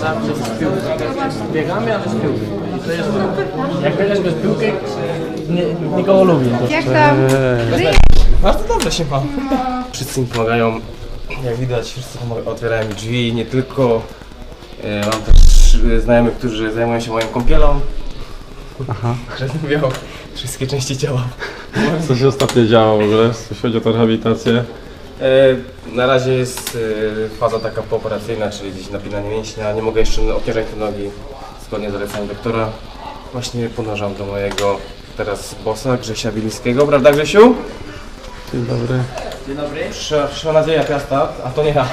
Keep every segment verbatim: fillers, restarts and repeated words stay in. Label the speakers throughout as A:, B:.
A: zawsze z piłką. Biegamy, ale z piłką. I to jest jak biegasz bez piłki, nie, nikogo lubię.
B: Jak tam?
C: Bardzo dobrze się ma. Wszyscy mi pomagają, jak widać, wszyscy otwierają mi drzwi, nie tylko. E, mam też e, znajomych, którzy zajmują się moją kąpielą. Aha. Rozmawiał wszystkie części ciała.
D: Co się ostatnio działo w ogóle, jeśli chodzi o tę rehabilitację?
C: E, na razie jest e, faza taka pooperacyjna, czyli gdzieś napinanie mięśnia. Nie mogę jeszcze obciążać te nogi zgodnie z zaleceniem doktora. Właśnie podążam do mojego teraz bossa Grzesia Bilińskiego, prawda Grzesiu?
D: Dzień dobry.
A: Dzień dobry.
C: Przyszła, przyszła nadzieja Piasta, a to nie ja.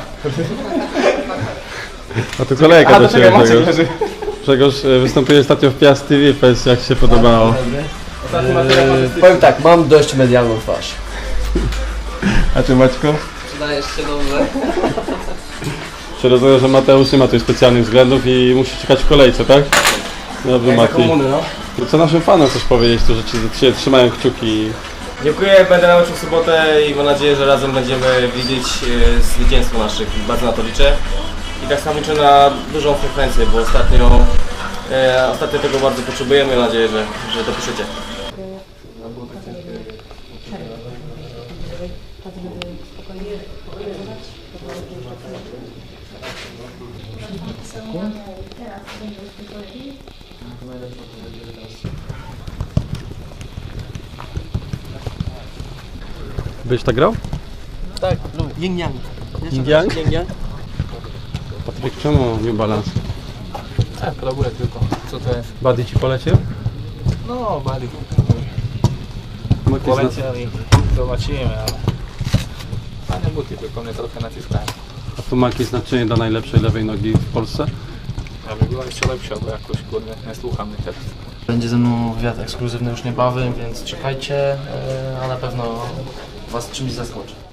D: A tu kolejka
C: A,
D: do
C: to czekaj,
D: Ciebie,
C: Maciek
D: Grzegorz.
C: leży.
D: Grzegorz wystąpił ostatnio w Piast T V, powiedz jak się podobało.
C: Ostatni materiał fantastyczny.
A: Powiem tak, mam dość medialną twarz.
D: A Ty Maćko?
A: Przydajesz się dobrze.
D: Czy rozumiem, że Mateusz nie ma tutaj specjalnych względów i musi czekać w kolejce, tak? Dobrze
C: Jak za
D: Mati.
C: komuny, no.
D: No co naszym fanom chcesz powiedzieć, którzy Ci Cię trzymają kciuki?
C: Dziękuję, będę na meczu w sobotę i mam nadzieję, że razem będziemy widzieć e, zwycięstwo naszych. Bardzo na to liczę. I tak samo liczę na dużą frekwencję, bo ostatnio, e, ostatnio tego bardzo potrzebujemy. Mam nadzieję, że, że dopiszecie.
D: Byś tak grał?
A: Tak, lubię. Yin Yang.
D: Yin Yang?
A: Yin Yang?
D: Patryk, czemu New Balance?
E: Tak, robię tylko. Co to jest?
D: Buddy Ci polecił?
E: No, bali.
D: Maki zna...
E: Poleciał i zobaczymy, ale... Fajne buty, tylko mnie trochę naciskają.
D: A tu Maki znaczenie dla najlepszej lewej nogi w Polsce?
E: Aby była jeszcze lepsza, bo jakoś kurde nie słucham mnie teraz.
A: Będzie ze mną wywiad ekskluzywny już niebawem, więc czekajcie, a na pewno Was czymś zaskoczę.